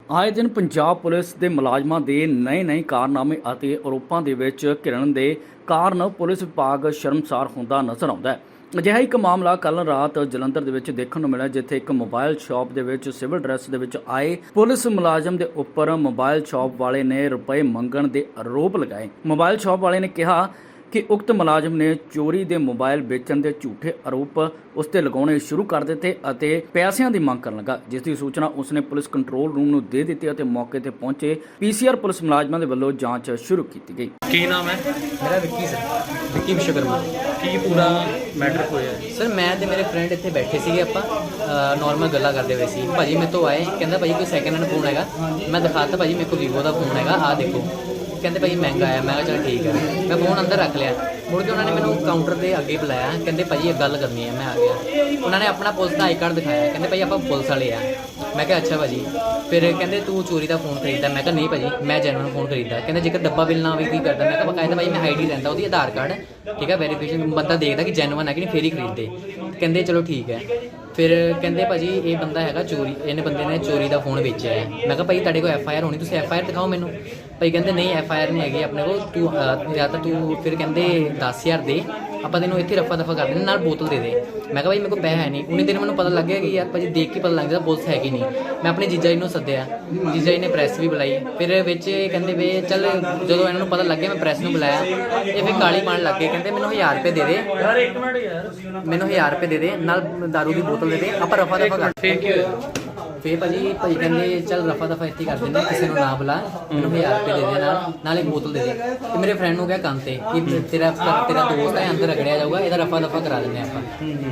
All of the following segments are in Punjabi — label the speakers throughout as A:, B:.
A: ਆਏ ਦਿਨ ਪੰਜਾਬ ਪੁਲਿਸ ਦੇ ਮੁਲਾਜ਼ਮਾਂ ਦੇ ਨਵੇਂ ਕਾਰਨਾਮੇ ਅਤੇ ਆਰੋਪਾਂ ਦੇ ਵਿੱਚ ਘਿਰਣ ਦੇ ਕਾਰਨ ਪੁਲਿਸ ਵਿਭਾਗ ਸ਼ਰਮਸਾਰ ਹੁੰਦਾ ਨਜ਼ਰ ਆਉਂਦਾ ਹੈ। ਅਜਿਹਾ ਇੱਕ ਮਾਮਲਾ ਕੱਲ੍ਹ ਰਾਤ ਜਲੰਧਰ ਦੇ ਵਿੱਚ ਦੇਖਣ ਨੂੰ ਮਿਲਿਆ, ਜਿੱਥੇ ਇੱਕ ਮੋਬਾਈਲ ਸ਼ਾਪ ਦੇ ਵਿੱਚ ਸਿਵਲ ਡਰੈਸ ਦੇ ਵਿੱਚ ਆਏ ਪੁਲਿਸ ਮੁਲਾਜ਼ਮ ਦੇ ਉੱਪਰ ਮੋਬਾਈਲ ਸ਼ਾਪ ਵਾਲੇ ਨੇ ਰੁਪਏ ਮੰਗਣ ਦੇ ਆਰੋਪ ਲਗਾਏ। ਮੋਬਾਈਲ ਸ਼ਾਪ ਵਾਲੇ ਨੇ ਕਿਹਾ ਕਿ ਉਕਤ ਮੁਲਾਜ਼ਮ ਨੇ ਚੋਰੀ ਦੇ ਮੋਬਾਈਲ ਵੇਚਣ ਦੇ ਝੂਠੇ ਆਰੋਪ ਉਸ ਤੇ ਲਗਾਉਣੇ ਸ਼ੁਰੂ ਕਰ ਦਿੱਤੇ ਅਤੇ ਪੈਸਿਆਂ ਦੀ ਮੰਗ ਕਰਨ ਲੱਗਾ, ਜਿਸ ਦੀ ਸੂਚਨਾ ਉਸਨੇ ਪੁਲਿਸ ਕੰਟਰੋਲ ਰੂਮ ਨੂੰ ਦੇ ਦਿੱਤੀ ਅਤੇ ਮੌਕੇ ਤੇ ਪਹੁੰਚੇ ਪੀਸੀਆਰ ਪੁਲਿਸ ਮੁਲਾਜ਼ਮਾਂ ਦੇ ਵੱਲੋਂ ਜਾਂਚ ਸ਼ੁਰੂ ਕੀਤੀ ਗਈ।
B: ਕੀ ਨਾਮ ਹੈ?
C: मेरा विक्की सर, विक्की विश्वकर्मा।
B: ਕੀ ਪੂਰਾ ਮੈਟਰ ਹੋਇਆ?
C: सर मैं ਤੇ ਮੇਰੇ ਫਰੈਂਡ ਇੱਥੇ ਬੈਠੇ ਸੀਗੇ, ਆਪਾਂ ਨਾਰਮਲ ਗੱਲਾਂ ਕਰਦੇ ਹੋਏ ਸੀ। ਭਾਜੀ ਮੇਰੇ ਤੋਂ ਆਏ, ਕਹਿੰਦਾ ਭਾਜੀ ਕੋਈ ਸੈਕਿੰਡ ਹੈਂਡ ਫੋਨ ਹੈਗਾ? ਮੈਂ ਦਿਖਾਤਾ, ਭਾਜੀ ਮੇਰੇ ਕੋਲ ਵੀਵੋ ਦਾ ਫੋਨ ਹੈਗਾ, ਆਹ ਦੇਖੋ। ਕਹਿੰਦੇ ਭਾਜੀ ਮਹਿੰਗਾ ਆਇਆ। ਮੈਂ ਕਿਹਾ ਚਲ ਠੀਕ ਹੈ। ਮੈਂ ਫੋਨ ਅੰਦਰ ਰੱਖ ਲਿਆ। ਮੁੜ ਕੇ ਉਹਨਾਂ ਨੇ ਮੈਨੂੰ ਕਾਊਂਟਰ ਦੇ ਅੱਗੇ ਬੁਲਾਇਆ, ਕਹਿੰਦੇ ਭਾਜੀ ਇੱਕ ਗੱਲ ਕਰਨੀ ਹੈ। ਮੈਂ ਆ ਗਿਆ। ਉਹਨਾਂ ਨੇ ਆਪਣਾ ਪੁਲਿਸ ਦਾ ਆਈ ਕਾਰਡ ਦਿਖਾਇਆ, ਕਹਿੰਦੇ ਭਾਜੀ ਆਪਾਂ ਪੁਲਿਸ ਵਾਲੇ ਆ। ਮੈਂ ਕਿਹਾ ਅੱਛਾ ਭਾਜੀ। ਫਿਰ ਕਹਿੰਦੇ ਤੂੰ ਚੋਰੀ ਦਾ ਫੋਨ ਖਰੀਦਦਾ? ਮੈਂ ਕਿਹਾ ਨਹੀਂ ਭਾਜੀ, ਮੈਂ ਜੈਨੂਅਨ ਫੋਨ ਖਰੀਦਦਾ। ਕਹਿੰਦੇ ਜੇਕਰ ਡੱਬਾ ਬਿੱਲ ਨਾ ਹੋਵੇ ਕੀ ਕਰਦਾ? ਮੈਂ ਕਿਹਾ ਬਕਾਇਦਾ ਭਾਜੀ ਮੈਂ ਆਈਡੀ ਲੈਂਦਾ, ਉਹਦੀ ਆਧਾਰ ਕਾਰਡ, ਠੀਕ ਹੈ, ਵੈਰੀਫਿਕੇਸ਼ਨ ਬੰਦਾ ਦੇਖਦਾ ਕਿ ਜੈਨੂਅਨ ਹੈ ਕਿ ਨਹੀਂ, ਫੇਰ ਹੀ ਖਰੀਦਦੇ। ਕਹਿੰਦੇ ਚਲੋ ਠੀਕ ਹੈ। ਫਿਰ ਕਹਿੰਦੇ ਭਾਜੀ ਇਹ ਬੰਦਾ ਹੈਗਾ ਚੋਰੀ, ਇਹਨੇ ਬੰਦੇ ਨੇ ਚੋਰੀ ਦਾ ਫੋਨ ਵੇਚਿਆ ਹੈ। ਮੈਂ ਕਿਹਾ ਭਾਈ ਤੁਹਾਡੇ ਕੋਲ FIR ਹੋਣੀ, ਤੁਸੀਂ FIR ਦਿਖਾਓ ਮੈਨੂੰ। ਭਾਈ ਕਹਿੰਦੇ ਨਹੀਂ FIR ਨਹੀਂ ਹੈਗੀ ਆਪਣੇ ਕੋਲ, ਤੂੰ ਜਾਂ ਤਾਂ ਤੂੰ ਫਿਰ ਕਹਿੰਦੇ 10,000 ਦੇ, ਆਪਾਂ ਤੈਨੂੰ ਇੱਥੇ ਰਫਾ ਦਫਾ ਕਰ ਦਿੰਦੇ, ਨਾਲ ਬੋਤਲ ਦੇ ਦੇ। ਮੈਂ ਕਿਹਾ ਭਾਈ ਮੇਰੇ ਕੋਲ ਪੈਸਾ ਹੈ ਨਹੀਂ। ਉਹਨੇ ਦਿਨ ਮੈਨੂੰ ਪਤਾ ਲੱਗਿਆ ਕਿ ਯਾਰ ਭਾਜੀ ਦੇਖ ਕੇ ਪਤਾ ਲੱਗ ਜਾਂਦਾ ਪੁਲਿਸ ਹੈਗੀ ਨਹੀਂ। ਮੈਂ ਆਪਣੇ ਜੀਜਾ ਜੀ ਨੂੰ ਸੱਦਿਆ, ਜੀਜਾ ਜੀ ਨੇ ਪ੍ਰੈਸ ਵੀ ਬੁਲਾਈ। ਫਿਰ ਵਿੱਚ ਕਹਿੰਦੇ ਵੇ ਚੱਲ, ਜਦੋਂ ਇਹਨਾਂ ਨੂੰ ਪਤਾ ਲੱਗਿਆ ਮੈਂ ਪ੍ਰੈਸ ਨੂੰ ਬੁਲਾਇਆ, ਇਹ ਫਿਰ ਗਾਲੀ ਪਾਉਣ ਲੱਗ ਗਏ। ਕਹਿੰਦੇ ਮੈਨੂੰ 1000 ਰੁਪਏ ਦੇ ਦੇ
B: ਯਾਰ ਇੱਕ ਮਿੰਟ ਯਾਰ,
C: ਮੈਨੂੰ 1000 ਰੁਪਏ ਦੇ ਦੇ, ਨਾਲ ਦਾਰੂ ਦੀ ਬੋਤਲ ਦੇ ਦੇ, ਆਪਾਂ ਰਫਾ ਦਫਾ ਕਰ।
B: ਫੇਰ ਕੀ ਹੋਇਆ?
C: ਫੇਰ ਭਾਜੀ ਕਹਿੰਦੇ ਚੱਲ ਰਫਾ ਦਫਾ ਇੱਥੇ ਕਰ ਦਿੰਦੇ, ਕਿਸੇ ਨੂੰ ਨਾ ਬੁਲਾ, ਮੈਨੂੰ 1000 ਰੁਪਏ ਦੇ ਦੇ, ਨਾਲ ਇੱਕ ਬੋਤਲ ਦੇ ਦੇ। ਤੇ ਮੇਰੇ ਫਰੈਂਡ ਨੂੰ ਕਿਹਾ ਕੰਨ ਤੇ ਕਿ ਤੇਰਾ ਦੋਸਤ ਹੈ, ਅੰਦਰ ਰਗੜਿਆ ਜਾਊਗਾ, ਇਹਦਾ ਰਫਾ ਦਫਾ ਕਰਾ ਦਿੰਦੇ ਆਪਾਂ।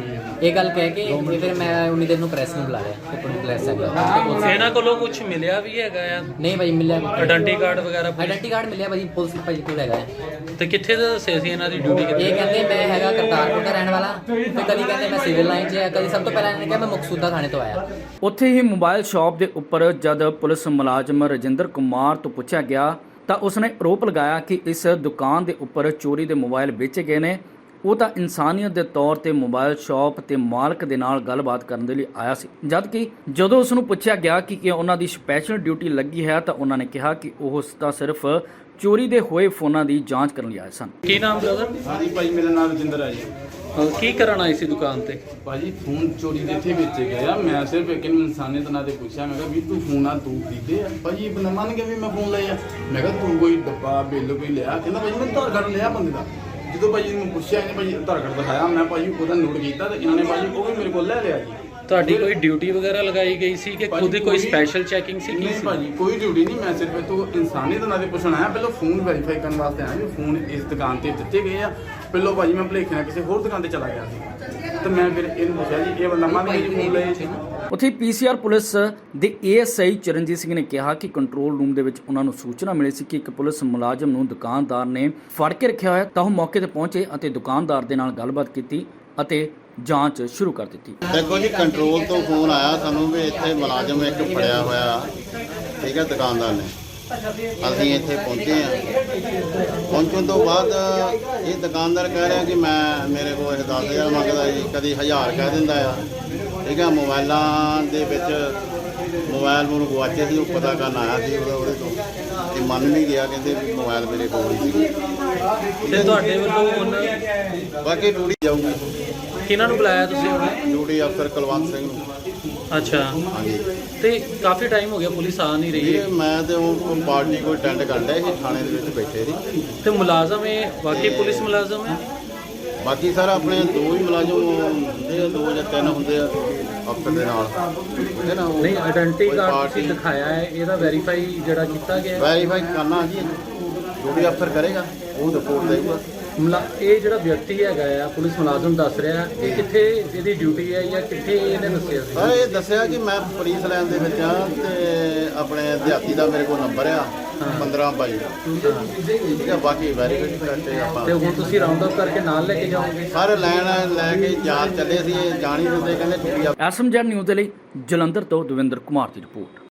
C: ਇਹ ਗੱਲ ਕਹਿ ਕੇ ਫਿਰ ਮੈਂ ਉਨੀ ਦੇਰ ਨੂੰ ਪ੍ਰੈਸ ਨੂੰ ਬੁਲਾ ਲਿਆ ਤੇ ਪੁਲਿਸ ਆ ਗਿਆ।
B: ਇਹਨਾਂ ਕੋਲੋਂ ਕੁਝ ਮਿਲਿਆ ਵੀ ਹੈਗਾ ਆ?
C: ਨਹੀਂ ਭਾਜੀ ਮਿਲਿਆ।
B: ਆਇਡੈਂਟੀ ਕਾਰਡ ਵਗੈਰਾ?
C: ਆਇਡੈਂਟੀ ਕਾਰਡ ਮਿਲਿਆ ਭਾਜੀ, ਪੁਲਿਸ ਭਾਜੀ ਕੋਲ ਹੈਗਾ ਹੈ।
B: ਤੇ ਕਿੱਥੇ ਦਾ ਦੱਸਿਆ ਸੀ ਇਹਨਾਂ ਦੀ ਡਿਊਟੀ
C: ਇਹ
B: ਕਿੱਥੇ?
C: ਕਹਿੰਦੇ ਮੈਂ ਹੈਗਾ ਕਰਤਾਰਪੁਰ ਦਾ ਰਹਿਣ ਵਾਲਾ, ਤੇ ਕਦੀ ਕਹਿੰਦੇ ਮੈਂ ਸਿਵਲ ਲਾਈਨ 'ਚ ਹੈ, ਕਦੀ ਸਭ ਤੋਂ ਪਹਿਲਾਂ ਇਹਨੇ ਕਿਹਾ ਮੈਂ ਮਕਸੂਦਾ ਥਾਣੇ ਤੋਂ ਆਇਆ।
A: ਉੱਥੇ ਹੀ ਮੋਬਾਈਲ ਸ਼ਾਪ ਦੇ ਉੱਪਰ ਜਦ ਪੁਲਿਸ ਮੁਲਾਜ਼ਮ ਰਜਿੰਦਰ ਕੁਮਾਰ ਤੋਂ ਪੁੱਛਿਆ ਗਿਆ ਤਾਂ ਉਸਨੇ ਆਰੋਪ ਲਗਾਇਆ ਕਿ ਇਸ ਦੁਕਾਨ ਦੇ ਉੱਪਰ ਚੋਰੀ ਦੇ ਮੋਬਾਈਲ ਵੇਚੇ ਗਏ ਨੇ। ਉਹ ਤਾਂ ਇਨਸਾਨੀਅਤ ਦੇ ਤੌਰ ਤੇ ਮੋਬਾਈਲ ਸ਼ਾਪ ਤੇ ਮਾਲਕ ਦੇ ਨਾਲ ਗੱਲਬਾਤ ਕਰਨ ਦੇ ਲਈ ਆਇਆ ਸੀ, ਜਦ ਕਿ ਜਦੋਂ ਉਸ ਨੂੰ ਪੁੱਛਿਆ ਗਿਆ ਕਿ ਉਹਨਾਂ ਦੀ ਸਪੈਸ਼ਲ ਡਿਊਟੀ ਲੱਗੀ ਹੈ ਤਾਂ ਉਹਨਾਂ ਨੇ ਕਿਹਾ ਕਿ ਉਹ ਤਾਂ ਸਿਰਫ ਚੋਰੀ ਦੇ ਹੋਏ ਫੋਨਾਂ ਦੀ ਜਾਂਚ ਕਰਨ ਲਈ ਆਏ ਸਨ।
B: ਕੀ ਨਾਮ ਬ੍ਰਦਰ?
D: ਹਾਂਜੀ ਭਾਈ, ਮੇਰਾ ਨਾਮ ਰਜਿੰਦਰ ਹੈ ਜੀ।
B: ਕੀ ਕਰਨ ਆਈ ਸੀ ਦੁਕਾਨ ਤੇ?
D: ਭਾਜੀ ਫੋਨ ਚੋਰੀ ਦੇ ਇੱਥੇ ਵੇਚੇ ਗਏ ਆ। ਮੈਂ ਸਿਰਫ ਇੱਕ ਨੂੰ ਇਨਸਾਨੀਅਤ ਨਾਲ ਤੇ ਪੁੱਛਿਆ, ਮੈਂ ਕਿਹਾ ਵੀ ਤੂੰ ਫੋਨ ਆ ਤੂੰ ਖਰੀਦੇ ਆ? ਭਾਜੀ ਬੰਦਾ ਮੰਨ ਗਿਆ ਵੀ ਮੈਂ ਫੋਨ ਲਏ ਆ। ਮੈਂ ਕਿਹਾ ਤੂੰ ਕੋਈ ਡੱਬਾ ਬਿੱਲ ਕੋਈ ਲਿਆ? ਕਹਿੰਦਾ ਭਾਜੀ ਮੈਂ ਆਧਾਰ ਕਾਰਡ ਲਿਆ ਬੰਦੇ ਦਾ। ਜਦੋਂ ਭਾਜੀ ਨੂੰ ਪੁੱਛਿਆ, ਇਹਨੇ ਭਾਜੀ ਆਧਾਰ ਕਾਰਡ ਦਿਖਾਇਆ, ਮੈਂ ਭਾਜੀ ਉਹਦਾ ਨੋਟ ਕੀਤਾ ਤੇ ਇਹਨਾਂ ਨੇ ਭਾਜੀ ਉਹ ਵੀ ਮੇਰੇ ਕੋਲ ਲੈ ਲਿਆ ਜੀ।
B: ਤੁਹਾਡੀ ਕੋਈ ਡਿਊਟੀ ਵਗੈਰਾ ਲਗਾਈ ਗਈ ਸੀ ਕਿ ਖੁਦ ਹੀ ਕੋਈ ਸਪੈਸ਼ਲ ਚੈਕਿੰਗ ਸੀ?
D: ਨਹੀਂ ਭਾਜੀ ਕੋਈ ਡਿਊਟੀ ਨਹੀਂ, ਮੈਂ ਸਿਰਫ ਤੂੰ ਇਨਸਾਨੀਅਤ ਨਾਲ ਤੇ ਪੁੱਛਣ ਆਇਆ। ਪਹਿਲਾਂ ਫੋਨ ਵੈਰੀਫਾਈ ਕਰਨ ਵਾਸਤੇ ਆਇਆ ਵੀ ਫੋਨ ਇਸ ਦੁਕਾਨ ਤੇ ਦਿੱਤੇ ਗਏ ਆ। ਪਹਿਲਾਂ ਭਾਜੀ ਮੈਂ ਭੁਲੇਖੇ ਨਾਲ ਕਿਸੇ ਹੋਰ ਦੁਕਾਨ ਤੇ ਚਲਾ ਗਿਆ ਸੀ ਤੇ ਮੈਂ ਫਿਰ ਇਹਨੂੰ ਪੁੱਛਿਆ ਜੀ ਇਹ ਬੰਦਾ ਮੰਨ ਗਿਆ ਜੀ ਫੋਨ ਲਏ ਸੀ।
A: ਉੱਥੇ ਪੀਸੀਆਰ ਪੁਲਿਸ ਦੇ ASI ਚਰਨਜੀਤ ਸਿੰਘ ਨੇ ਕਿਹਾ ਕਿ ਕੰਟਰੋਲ ਰੂਮ ਦੇ ਵਿੱਚ ਉਹਨਾਂ ਨੂੰ ਸੂਚਨਾ ਮਿਲੀ ਸੀ ਕਿ ਇੱਕ ਪੁਲਿਸ ਮੁਲਾਜ਼ਮ ਨੂੰ ਦੁਕਾਨਦਾਰ ਨੇ ਫੜ ਕੇ ਰੱਖਿਆ ਹੋਇਆ, ਤਾਂ ਉਹ ਮੌਕੇ ਤੇ ਪਹੁੰਚੇ ਅਤੇ ਦੁਕਾਨਦਾਰ ਦੇ ਨਾਲ ਗੱਲਬਾਤ ਕੀਤੀ ਅਤੇ ਜਾਂਚ ਸ਼ੁਰੂ ਕਰ ਦਿੱਤੀ।
E: ਦੇਖੋ ਜੀ, ਕੰਟਰੋਲ ਤੋਂ ਫੋਨ ਆਇਆ ਸਾਨੂੰ ਵੀ ਇੱਥੇ ਮੁਲਾਜ਼ਮ ਇੱਕ ਫੜਿਆ ਹੋਇਆ, ਠੀਕ ਹੈ, ਦੁਕਾਨਦਾਰ ਨੇ। ਅਸੀਂ ਇੱਥੇ ਪਹੁੰਚੇ ਹਾਂ। ਪਹੁੰਚਣ ਤੋਂ ਬਾਅਦ ਇਹ ਦੁਕਾਨਦਾਰ ਕਹਿ ਰਿਹਾ ਕਿ ਮੇਰੇ ਕੋਲ ਇਹ 10,000 ਮੰਗਦਾ ਜੀ, ਕਦੀ 1000 ਕਹਿ ਦਿੰਦਾ ਆ, ਠੀਕ ਹੈ। ਮੋਬਾਈਲਾਂ ਦੇ ਵਿੱਚ ਮੋਬਾਈਲ ਮੈਨੂੰ ਗੁਆਚੇ ਸੀ, ਉਹ ਪਤਾ ਕਰਨ ਆਇਆ ਸੀ ਉਹਦੇ ਤੋਂ, ਤੇ ਮੰਨ ਨਹੀਂ ਗਿਆ, ਕਹਿੰਦੇ ਵੀ ਮੋਬਾਈਲ ਮੇਰੇ ਕੋਲ ਹੀ ਸੀ।
B: ਤੇ ਤੁਹਾਡੇ ਵੱਲੋਂ ਹੁਣ
E: ਬਾਕੀ ਡਿਊਟੀ ਜਾਊਗੀ।
B: ਕਿਹਨਾਂ ਨੂੰ ਬੁਲਾਇਆ ਤੁਸੀਂ ਹੁਣ?
E: ਡਿਊਟੀ ਅਫਸਰ ਕੁਲਵੰਤ ਸਿੰਘ ਨੂੰ।
B: ਅੱਛਾ,
E: ਹਾਂਜੀ।
B: ਤੇ ਕਾਫੀ ਟਾਈਮ ਹੋ ਗਿਆ ਪੁਲਿਸ ਆ ਨਹੀਂ ਰਹੀ ਹੈ।
E: ਮੈਂ ਤੇ ਉਹ ਪਾਰਟੀ ਕੋਈ ਅਟੈਂਡ ਕਰ ਲਿਆ ਸੀ, ਥਾਣੇ ਦੇ ਵਿੱਚ ਬੈਠੇ ਸੀ।
B: ਤੇ ਮੁਲਾਜ਼ਮ ਇਹ ਵਾਕਈ ਪੁਲਿਸ ਮੁਲਾਜ਼ਮ ਹੈ?
E: ਬਾਕੀ ਸਰ ਆਪਣੇ 2 ਹੀ ਮੁਲਾਜ਼ਮ ਹੁੰਦੇ ਆ, 2 ਜਾਂ 3 ਹੁੰਦੇ ਆ ਅਫਸਰ ਦੇ ਨਾਲ, ਠੀਕ ਹੈ ਨਾ।
B: ਨਹੀਂ, ਆਇਡੈਂਟੀ ਕਾਰਡ ਤੁਸੀਂ ਦਿਖਾਇਆ ਹੈ, ਇਹਦਾ ਵੈਰੀਫਾਈ ਜਿਹੜਾ ਕੀਤਾ ਗਿਆ
E: ਵੈਰੀਫਾਈ ਕਰਨਾ ਜੀ, ਡਿਊਟੀ ਅਫਸਰ ਕਰੇਗਾ, ਉਹ ਰਿਪੋਰਟ ਦੇਊਗਾ।
B: ਇਹ ਜਿਹੜਾ ਵਿਅਕਤੀ ਹੈਗਾ ਆ ਪੁਲਿਸ ਮੁਲਾਜ਼ਮ ਦੱਸ ਰਿਹਾ, ਇਹ ਕਿੱਥੇ ਇਹਦੀ ਡਿਊਟੀ ਹੈ ਜਾਂ ਕਿੱਥੇ ਇਹਨੇ ਦੱਸਿਆ ਸੀ?
E: ਸਰ ਇਹ ਦੱਸਿਆ ਕਿ ਮੈਂ ਪੁਲਿਸ ਲਾਈਨ ਦੇ ਵਿੱਚ ਆ ਤੇ ਆਪਣੇ ਦਿਹਾਤੀ ਦਾ ਮੇਰੇ ਕੋਲ ਨੰਬਰ ਆ 1522, ਠੀਕ ਹੈ। ਬਾਕੀ ਵੈਰੀਫਾਈ ਕਰਕੇ ਆਪਾਂ
B: ਤੇ ਹੁਣ ਤੁਸੀਂ ਰਾਉਂਡ ਅਪ ਕਰਕੇ ਨਾਲ ਲੈ ਕੇ ਜਾਓਗੇ?
E: ਸਾਰੇ ਲਾਈਨ ਲੈ ਕੇ ਜਾਂਚ ਚੱਲੇ ਸੀ, ਇਹ ਜਾਣ ਹੀ ਦਿੰਦੇ, ਕਹਿੰਦੇ ਡਿਊਟੀ।
A: SMZ ਨਿਊਜ਼ ਦੇ ਲਈ ਜਲੰਧਰ ਤੋਂ ਦਵਿੰਦਰ ਕੁਮਾਰ ਦੀ ਰਿਪੋਰਟ।